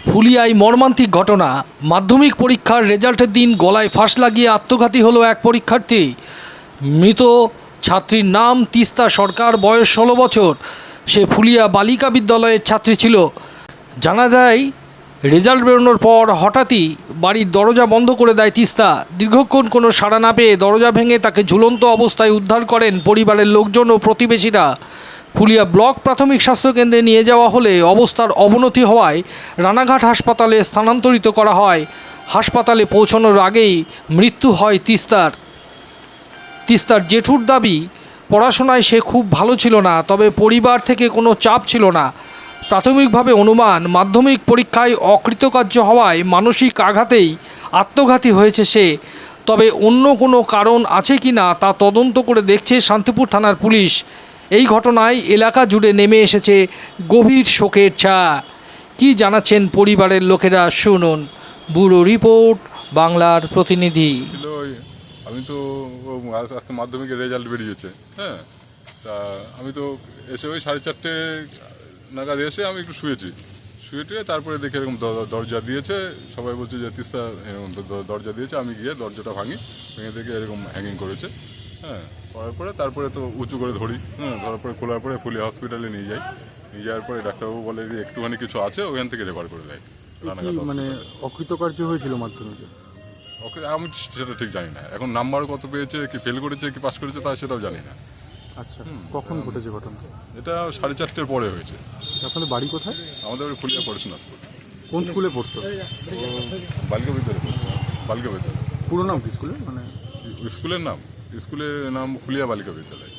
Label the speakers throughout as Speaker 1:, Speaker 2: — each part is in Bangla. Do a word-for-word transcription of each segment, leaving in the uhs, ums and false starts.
Speaker 1: ফুলিয়ায় মর্মান্তিক ঘটনা। মাধ্যমিক পরীক্ষার রেজাল্টের দিন গলায় ফাঁস লাগিয়ে আত্মঘাতী হলো এক পরীক্ষার্থী। মৃত ছাত্রীর নাম তিস্তা সরকার, বয়স ষোলো বছর। সে ফুলিয়া বালিকা বিদ্যালয়ের ছাত্রী ছিল। জানা যায়, রেজাল্ট বেরোনোর পর হঠাৎই বাড়ির দরজা বন্ধ করে দেয় তিস্তা। দীর্ঘক্ষণ কোনো সাড়া না পেয়ে দরজা ভেঙে তাকে ঝুলন্ত অবস্থায় উদ্ধার করেন পরিবারের লোকজন ও প্রতিবেশীরা। ফুলিয়া ব্লক প্রাথমিক স্বাস্থ্যকেন্দ্রে নিয়ে যাওয়া হলে অবস্থার অবনতি হওয়ায় রানাঘাট হাসপাতালে স্থানান্তরিত করা হয়। হাসপাতালে পৌঁছানোর আগেই মৃত্যু হয় তিস্তার। তিস্তার জেঠুর দাবি, পড়াশোনায় সে খুব ভালো ছিল না, তবে পরিবার থেকে কোনো চাপ ছিল না। প্রাথমিকভাবে অনুমান, মাধ্যমিক পরীক্ষায় অকৃতকার্য হওয়ায় মানসিক আঘাতেই আত্মঘাতী হয়েছে সে। তবে অন্য কোনো কারণ আছে কি না তা তদন্ত করে দেখছে শান্তিপুর থানার পুলিশ। এই ঘটনায় এলাকা জুড়ে নেমে এসেছে গভীর শোকের ছায়া। কী জানাচ্ছেন পরিবারের লোকেরা, শুনুন। ব্যুরো রিপোর্ট, বাংলার প্রতিনিধি।
Speaker 2: আমি তো আজকে মাধ্যমিকের রেজাল্ট বেরিয়েছে, হ্যাঁ, তা আমি তো এসে ওই সাড়ে চারটে নাগাদ এসে আমি একটু শুয়েছি। শুয়ে টুয়ে তারপরে দেখে এরকম দরজা দিয়েছে, সবাই বলছে যে তিস্তা এরকম দরজা দিয়েছে। আমি গিয়ে দরজাটা ভাঙি, ভেঙে দেখে এরকম হ্যাঙ্গিং করেছে। হ্যাঁ, করার পরে তারপরে তো উঁচু করে ধরি, হ্যাঁ, ধরার পরে খোলার পরে ফুলিয়া হসপিটালে নিয়ে যাই। নিয়ে যাওয়ার পরে ডাক্তারবাবু বলে যে একটুখানি কিছু আছে, ওখান থেকে রেফার করে দেয়।
Speaker 3: মানে অকৃতকার্য হয়েছিল মাধ্যমিকে?
Speaker 2: ওকে, আমি সেটা ঠিক জানি না। এখন নাম্বার কত পেয়েছে, কি ফেল করেছে, কি পাস করেছে, তা সেটাও জানি না।
Speaker 3: আচ্ছা, কখন ঘটেছে ঘটনা?
Speaker 2: এটা সাড়ে চারটের পরে হয়েছে।
Speaker 3: আপনাদের বাড়ি কোথায়?
Speaker 2: আমাদের ফুলিয়া পড়াশোনা স্কুল।
Speaker 3: কোন স্কুলে পড়তো?
Speaker 2: বালিকা বিদ্যালয় পড়তো। বালিকা বিদ্যালয়।
Speaker 3: পুরো নাম কি স্কুলের? মানে
Speaker 2: স্কুলের নাম স্কুলের নাম ফুলিয়া বালিকা বিদ্যালয়।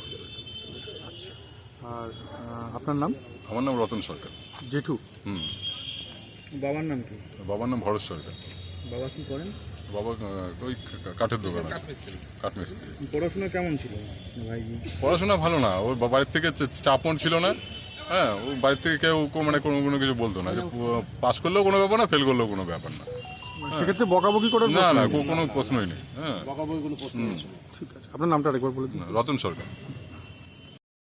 Speaker 3: আর আপনার নাম?
Speaker 2: আমার নাম রতন সরকার।
Speaker 3: জেঠু?
Speaker 2: হুম।
Speaker 3: বাবার নাম কি?
Speaker 2: বাবার নাম ভরত সরকার।
Speaker 3: বাবা কি করেন?
Speaker 2: বাবা ওই কাঠের দোকান, কাঠমিস্ত্রি।
Speaker 3: পড়াশোনা কেমন ছিল ভাই?
Speaker 2: পড়াশোনা ভালো না, ওর বাড়ির থেকে চাপন ছিল না। হ্যাঁ, ও বাড়ির থেকে কেউ মানে কোনো কোনো কিছু বলতো না, যে পাস করলেও কোনো ব্যাপার না, ফেল করলেও কোনো ব্যাপার না।
Speaker 3: সেক্ষেত্রে বকাবকি করার
Speaker 2: না না কোনো প্রশ্নই নেই। হ্যাঁ,
Speaker 3: ঠিক আছে। আপনার নামটা আরেকবার বলে দিন।
Speaker 2: রতন সরকার।